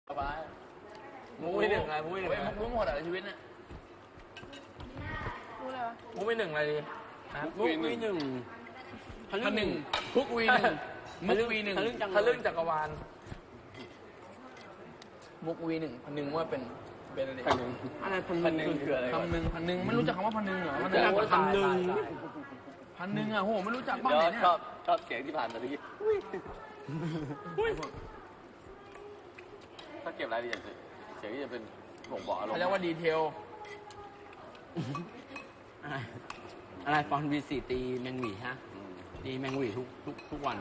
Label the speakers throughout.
Speaker 1: ไปมุ้ยหนึ่งอะไรมุ้ยหนึ่งมุ้ยหมดอะไรชีวิตเนี่ย
Speaker 2: มุ้ยอะไรวะ
Speaker 1: มุ้ยหนึ่งอะไรดี
Speaker 3: มุ้ยหนึ่ง
Speaker 1: พันหนึ่งพุกวีหนึ่งมุกวีหนึ่งทะลึ่งจักรวาลมุกวีหนึ่งพันหนึ่งว่าเป็นอะไร
Speaker 3: อะไรพันหนึ่งคืออะไร
Speaker 1: พันหนึ่งไม่รู้จักคำว่าพันหนึ่งเหรอพันหนึ่งอ่ะโหไม่รู้จักบ้างเนี่ย
Speaker 3: ชอบเสียงที่ผ่านมาทีถ้าเก็บรายละเอียดเสียงที่จะเป็นบ่งบอกอารมณ์
Speaker 1: เขาเรียกว่าดีเทล
Speaker 4: อะไรฟอนวีสี่ตีแมงหวีฮะตีแมงหวีทุกวัน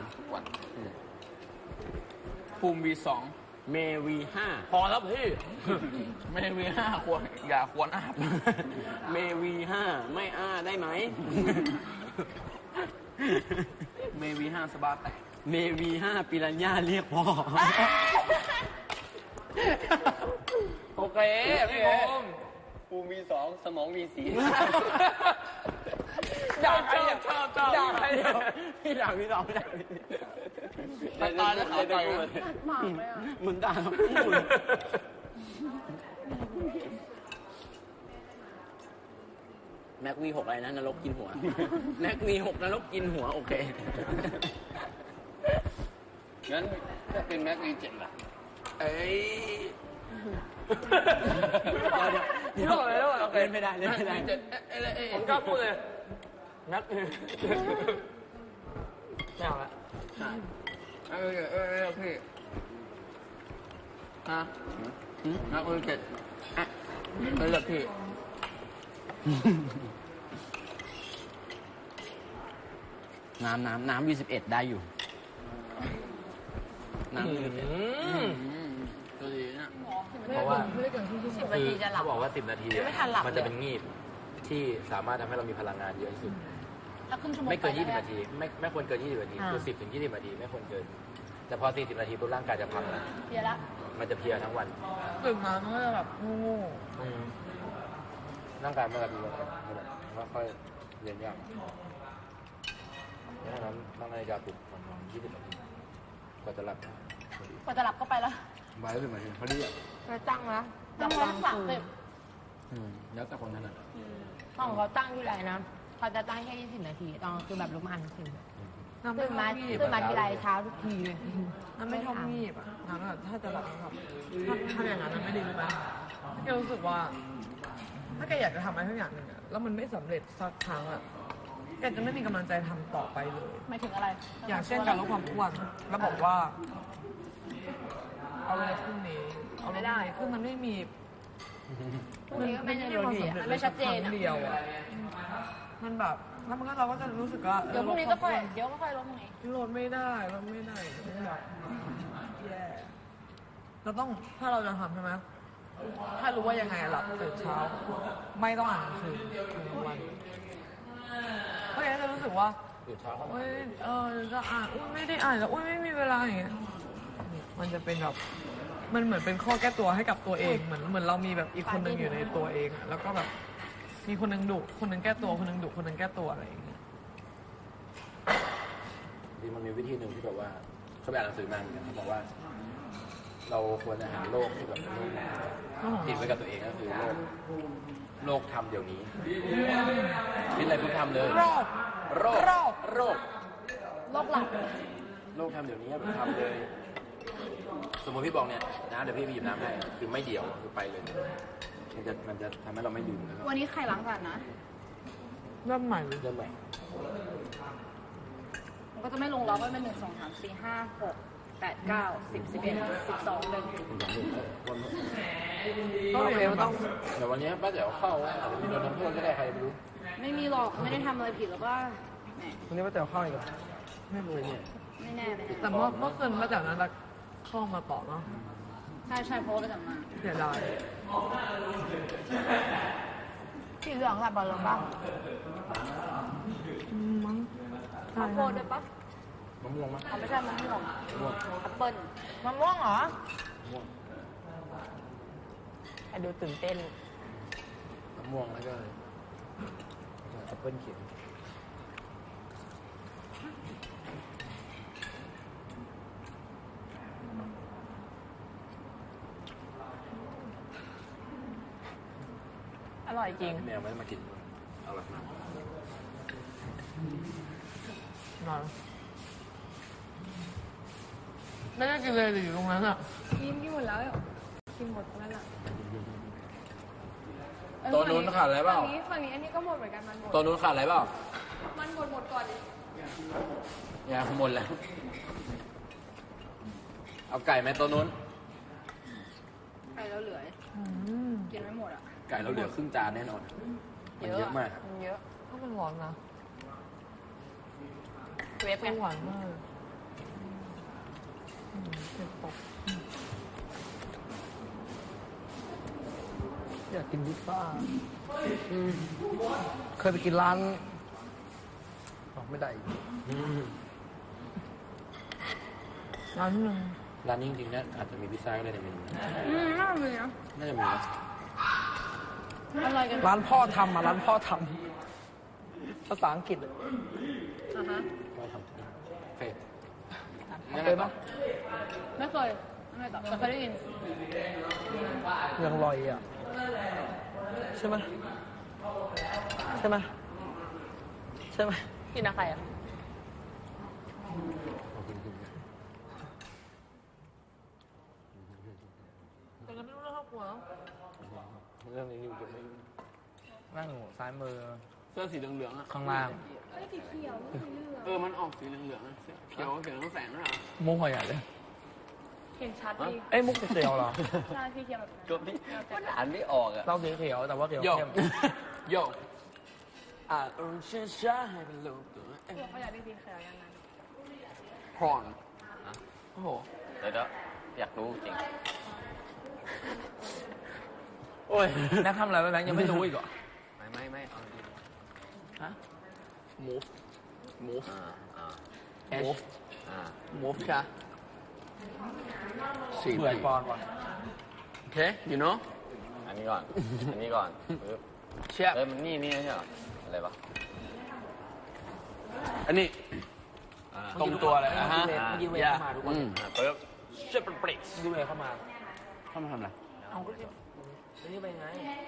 Speaker 1: ภูมิวีสอง
Speaker 4: เมวีห้า
Speaker 1: พอแล้วพี่เมวีห้าควรอย่าควรอาบ
Speaker 4: เมวีห้าไม่ได้ไหม
Speaker 1: เมวีห้าสบาแตก
Speaker 4: เมวีห้าปิรัญญาเรียกพ่อ
Speaker 1: โอเคพี่ผม
Speaker 3: ภูมิวีสองสมองวีสี่
Speaker 1: ด่าใครด่าใคร
Speaker 4: พี่ด่าพี่สองด่า
Speaker 1: ตายแล้วขาวใจ
Speaker 2: หมากเลยอ่ะ
Speaker 4: เหมือนด่าแม็กวีหกอะไรนะนรกกินหัวแม็กวีหกนรกกินหัวโอเค
Speaker 3: งั้นถ้าเป็นแม็กวีเจ็ดล่ะ
Speaker 1: เอ้ย
Speaker 4: เดี๋ยวเล่นไม่ได้
Speaker 1: ผมกล้าพูดเลยนักไม่เอาละพี่ฮะนักเรียนเจ็ดไม่เลิกพี่
Speaker 4: น้ำV11ได้อยู่น้ำV11
Speaker 1: ตัวดีนะ
Speaker 2: เพราะว่า10 นาทีจะหลับ
Speaker 5: เขาบอกว่า10 นาทีมันจะเป็นงีบที่สามารถทำให้เรามีพลังงานเยอะที่สุดไม่เกิน20 นาทีไม่ควรเกิน20 นาทีคือ10 ถึง 20 นาทีไม่ควรเกินแต่พอ40 นาทีปุ๊บร่างกายจะพังแล้ว
Speaker 2: เพลียละ
Speaker 5: มันจะเพลียทั้งวัน
Speaker 1: ตื่นมามันก็จะแบบงู
Speaker 5: ร่างกายมันจะมีอะไรไม่ค่อยเรียนยากดังนั้นตั้งนาฬิกาปลุกประมาณ20 นาทีกว่าจะหลับ
Speaker 2: ก็ไปแล้ว
Speaker 5: บ่าย10 นาทีพอดีอ่ะ
Speaker 2: ไปตั้งแล้วตั้งไว้30
Speaker 5: แล้วแต่คนถนัด
Speaker 2: ของเขาตั้งที่ไรนะเขาจะตั้งแค่20 นาทีตอนคือแบบลุกมาอ่านหนังสือตื่นมาทีไรเช้าทุกทีเลย
Speaker 1: นั่นไม่ชอบงีบอ่ะนั่นถ้าจะแบบถ้าอย่างนั้นไม่ดีรู้ไหมแกรู้สึกว่าถ้าแกอยากจะทำอะไรทุกอย่างหนึ่งอะแล้วมันไม่สำเร็จสักครั้งอะแกจะไม่มีกำลังใจทำต่อไปเลย
Speaker 2: หมายถึงอะไร
Speaker 1: อย่างเช่นการลดความอ้วนแล้วบอกว่าเอาเลยพรุ่งนี้เอาไม่ได้คือมันไม่มี
Speaker 2: ไม่ใช่ความสำเร็จไม่ชัดเจน
Speaker 1: เดียวอะมันแบบแล้วมันก็เราก็จะรู้สึกว่า
Speaker 2: เดี๋ยวพรุ่งนี้ก็ค่อยลดตรงนี้
Speaker 1: ลดไม่ได้แบบแย่เราต้องถ้าเราจะทำใช่ไหมถ้ารู้ว่ายังไงหลับตื่นเช้าไม่ต้องอ่านหนังสือทุกวันเพราะฉะนั้นจะรู้สึกว่าจะอ่านไม่ได้อ่านแล้วไม่มีเวลาอย่างเงี้ยมันจะเป็นแบบมันเหมือนเป็นข้อแก้ตัวให้กับตัวเองเหมือนเรามีแบบอีกคนนึงอยู่ในตัวเองแล้วก็แบบมีคนนึงดุคนนึงแก้ตัวคนนึงดุคนนึงแก้ตัวอะไรอย่างเงี้ย
Speaker 5: ดีมันมีวิธีหนึ่งที่แบบว่าเขาอ่านหนังสือมาเหมือนกันเขาบอกว่าเราควรจะหาโลกที่แบบติดไว้กับตัวเองก็คือโลกทำเดี๋ยวนี้คิดอะไรปุ๊บทำเลยโรค
Speaker 2: หลับ
Speaker 5: โลกทำเดี๋ยวนี้ทำเลยสมมติพี่บอกเนี่ยนะเดี๋ยวพี่ไปหยิบน้ำให้คือไม่เดี่ยวคือไปเลยมันจะทำให้เราไม่ดื่ม
Speaker 2: วันนี้ใครล้างจานนะ
Speaker 1: เริ่มใหม่
Speaker 2: มันก็จะไม่ลงล็อกว่าเป็น1 2 3 4 5 6 8 9 10 11 12เลย
Speaker 5: ต้องเดี๋ยววันนี้ป้าเดี๋ยวเข้าอาจจะมีโดนทำโทษก็ได้ใครไม่รู้
Speaker 2: ไม่มีหรอกไม่ได้ทำอะไรผิดแล้วก็
Speaker 1: วันนี้ป้าเดี๋ยวเข้าอีกเหรอ
Speaker 5: ไม่รู้เนี่ย
Speaker 2: ไม่แน่เลย
Speaker 1: แต่เมื่อคืนป้าเดี๋ยวนั้นเข้ามาต่อเนาะ
Speaker 2: ใช่เพราะว่าไปทำมา
Speaker 1: เสียดาย
Speaker 2: สีเหลืองแบบบอลลงบ้าง
Speaker 1: มั้ง
Speaker 2: ข้าวโพดด้วยปะ
Speaker 5: มะม่วงมั้ย
Speaker 2: ไม่ใช่มะม่วงแอปเปิ้ล
Speaker 1: มะม่วงเหรอ
Speaker 2: ไอ้ดูตื่นเต้น
Speaker 5: มะม่วงแล้วก็แอปเปิ้ลเขียว
Speaker 2: ร่อยจริง
Speaker 5: แมวไม่ได้มากินอร่อยมาก
Speaker 1: นอนไม่ได้กินเลยหรืออยู่ตรงนั้นอ่ะ
Speaker 2: กินหมดแล้วกินหมดแล้วล่ะ
Speaker 5: ตัวนู้นขาดอะไรเปล่า
Speaker 2: ฝั่งนี้อันนี้ก็หมดเหมือนกันมันหมด
Speaker 5: ตัวนู้นขาดอะไรเปล่า
Speaker 2: มันหมดก่อนดิ
Speaker 5: เนี่ยหมดแล้ว เอาไก่ไหมตัวนู้น
Speaker 2: ไปแล้วเหลือกินไม่หมดอ่ะ
Speaker 5: ไก่เราเหลือครึ่งจานแน่นอนมันเยอะมาก
Speaker 2: มันเยอะ
Speaker 1: ก็มันร้อนนะ
Speaker 2: เวฟไง
Speaker 1: หวานมากเผ็ดปกอยากกินพิซซ่าเคยไปกินร้านบอกไม่ได้อีกร้านหนึ่ง
Speaker 5: ร้านนี้จริงๆนะอาจจะมีพิซซ่าก็ได้ในเมนู
Speaker 2: น่าเลยนะ
Speaker 5: น่าจะมีนะ
Speaker 2: อร่อยกัน
Speaker 1: ร้านพ่อทำร้านพ่อทำภาษาอังกฤษ
Speaker 5: ก็ทำเฟส
Speaker 1: เคยปะ
Speaker 2: ไม่เคยไม่ตอบแต่เคยได้ยิน
Speaker 1: ยังลอยอ่ะใช่ไหมใช่ไหมใช่ไหม
Speaker 2: กินอะไรอ่ะ
Speaker 1: แต่ก็ไม่รู้เรื่องครอบครัว
Speaker 3: เรื่องนี้อยู่จะไม่
Speaker 1: นั่งซ้ายมือ
Speaker 3: เสื้อสีเหลืองๆอ่ะ
Speaker 1: ข้างล่าง
Speaker 3: มันออกสีเหลืองๆอะเขียวเขียวทั้งแสงนะ
Speaker 1: มุกหอยใหญ่เลย
Speaker 2: เห็นชัดดี
Speaker 1: เอ้ยมุกเขียวเหรอ
Speaker 2: ใช่พี่เคียวแบบนั้น
Speaker 3: จบที่มันอ่านไม่ออกอ่ะ
Speaker 1: เราสีเขียวแต่ว่าเขียว
Speaker 3: โย
Speaker 1: เข้ม
Speaker 3: โย
Speaker 4: อ่าช้าๆให้เป็นลูกตัว
Speaker 2: เขาอยากได้สีเขียวยังไง
Speaker 3: พรอน
Speaker 1: โอ้โห
Speaker 3: เดี๋ยวอยากรู้จริง
Speaker 1: โอ้ยแม่ทำอะไรไปแบงค์ยังไม่รู้อีกเหรอ
Speaker 3: ไม่เอาดี
Speaker 1: ฮะ move move
Speaker 3: อ่า
Speaker 1: move
Speaker 3: อ่า
Speaker 1: move ค่ะ
Speaker 3: สี่
Speaker 1: เบื่อปอนก่อน
Speaker 3: โอเค you know อันนี้ก่อนปึ๊บ
Speaker 1: เชียบ
Speaker 3: มันนี่ไม่ใช่เหรออะไรปะ
Speaker 4: อันนี้
Speaker 1: ตรงตัวเลย
Speaker 4: อ่าฮะ
Speaker 1: เมื่อกี้เวฟเข้ามาทุกคน
Speaker 3: ปึ๊บ
Speaker 1: เชียบเป็นเบรกเมื่อกี้เวฟเข้ามา
Speaker 4: เข้ามาทำอะไร
Speaker 1: เอาก็เชียบนี่ไปไง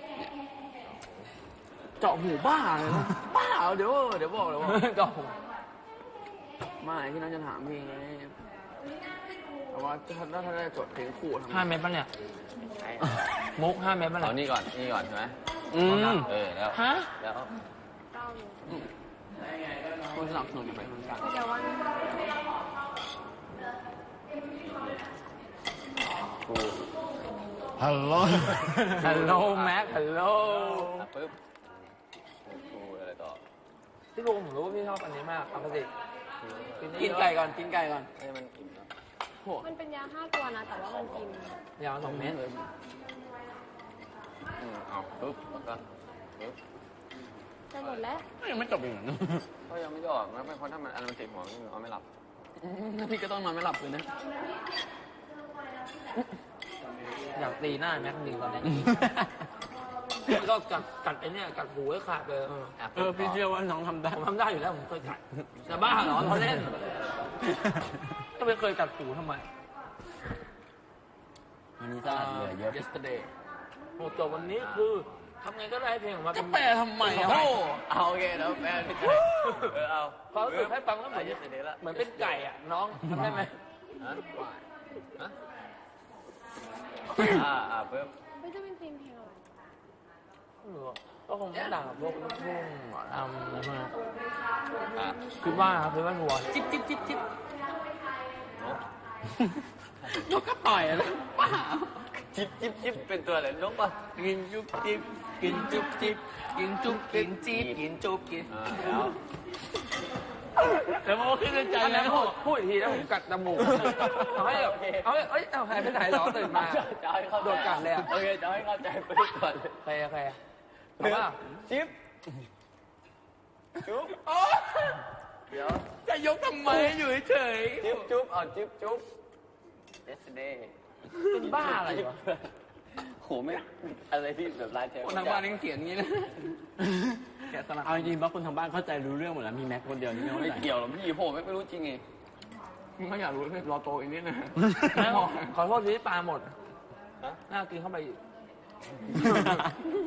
Speaker 4: เจาะหูบ้าเลยนะบ้าเดี๋ยวบอกเลยว่า
Speaker 1: ก็
Speaker 4: ไม่ที่น้องจะถามพี่ไงแต่ว่าถ้าได้จดเพลงคู่ทำไง
Speaker 1: 5 เมตรป่ะเนี่ย มุก5 เมตรป่ะ
Speaker 3: เอา
Speaker 1: เนี่ย
Speaker 3: นี่ก่อนใช่ไหม
Speaker 4: อืม
Speaker 3: แล้ว
Speaker 1: ฮะ
Speaker 3: แล้ว
Speaker 4: คุณสนับสนุนอยู่ไปเหมือนกัน
Speaker 2: แต่ว่า
Speaker 3: กู
Speaker 4: ฮัลโหล
Speaker 1: ฮัลโหลแม็กฮัลโหล
Speaker 3: ปึ๊บกูอะไรต่อ
Speaker 1: พี่ลุงผมรู้ว่าพี่ชอบอันนี้มากเอาไปสิ
Speaker 4: กินไก่ก่อนกินไก่ก่อน
Speaker 3: ให้มันอิ่มแล้ว
Speaker 2: มันเป็นยา5 ตัวนะ แต่ว่ามันกิน
Speaker 1: ยาว2 เมตร
Speaker 3: เอาปึ๊บแล้วก็ปึ๊บ
Speaker 2: จะหมดแล้ว
Speaker 4: ยังไม่จบอีกเหรอ
Speaker 3: ก็ยังไม่ได้ออกแล้วไม่เพราะถ้ามันอันมันติดหัวมันนอนไม่หลับ
Speaker 4: พี่ก็ต้องนอนไม่หลับเลยนะ
Speaker 1: อยากตีหน้าแม็กซ์ดีตอนนี้ก็กัดไอ้เนี่ยกัดหูให้ขาดเลย
Speaker 4: พี่เชื่อว่าน้องทำได้
Speaker 1: ผมทำได้อยู่แล้วผมเคยกัดจะบ้าเหรอเราเล่นก็ไม่เคยกัดหูทำไม
Speaker 4: วันนี้สะอาดเหลือเยอะ
Speaker 1: yesterday โอ้จบวันนี้คือทำไงก็ได้ให้เพลงออกมา
Speaker 4: จะ
Speaker 1: เป็น
Speaker 4: แปลทำไมอ่ะโอ้
Speaker 3: เอาโอเคแล้วแม่พี่ใจเอา
Speaker 1: พอรู้สึกให้ฟังแล้วเหมือน
Speaker 3: เสร็จแล้ว
Speaker 1: เหมือนเป็นไก่อ่ะน้องทำได้ไหม
Speaker 3: ปึ๊บ
Speaker 2: ไม่จะเป็นเพลงอะไร
Speaker 1: ไม่รู้อะก็คงไม่ต่างกับพวกลูกทุ่งหมอลำอะไรพวกนั้น
Speaker 3: อ่ะ
Speaker 1: คิดว่าทัวร์จิ๊บจิ๊บจิ๊บจิ๊บ
Speaker 4: นกก็ต่อยนะป้า
Speaker 3: จิ๊บเป็นตัวอะไรนกป่ะ
Speaker 4: กินจุ๊บจิ๊บกินจุ๊บจิ๊บกินจุ๊บกินจิ๊บกินจุ๊บกิน
Speaker 3: แล้ว
Speaker 4: แล้วมันก็ขึ้นในใจ
Speaker 1: อัน
Speaker 4: แล้
Speaker 1: นั้น
Speaker 4: ว
Speaker 1: พูดอีกทีแล้วผมกัดจมูกเอาให้แบบเอาหายไปไหนหรอตื่นมา
Speaker 3: จะให้เข้าใจ
Speaker 1: โดนกัดเลยอ่ะ
Speaker 3: โอเคจะให้เข้าใจไปก่อนเลย
Speaker 1: ใครแต่ว่า
Speaker 3: จิ๊บจุ๊บเดี๋ยว
Speaker 4: จะยกทำไมอยู่เฉย
Speaker 3: จุ๊บเอาจุ๊บ yesterday
Speaker 1: เป็นบ้าอะไรวะ
Speaker 3: โหไม่อะไรที่แบบลายเทป
Speaker 4: คนทางบ้านยังเขียนงี้นะแกะสลักเอาจริงๆว่าคนทางบ้านเข้าใจรู้เรื่องหมดแล้วมีแม็กคนเดียวนี่ไม่เข้า
Speaker 3: ไม่
Speaker 4: ใจ
Speaker 3: เกี่ยวหรอกพี่โหไม่รู้จริงไง
Speaker 4: ไม่อยากรู้เลยรอโตอีกนิดนะ
Speaker 1: ขอโทษที่ปลาหมดน่ากินเข้าไปอีก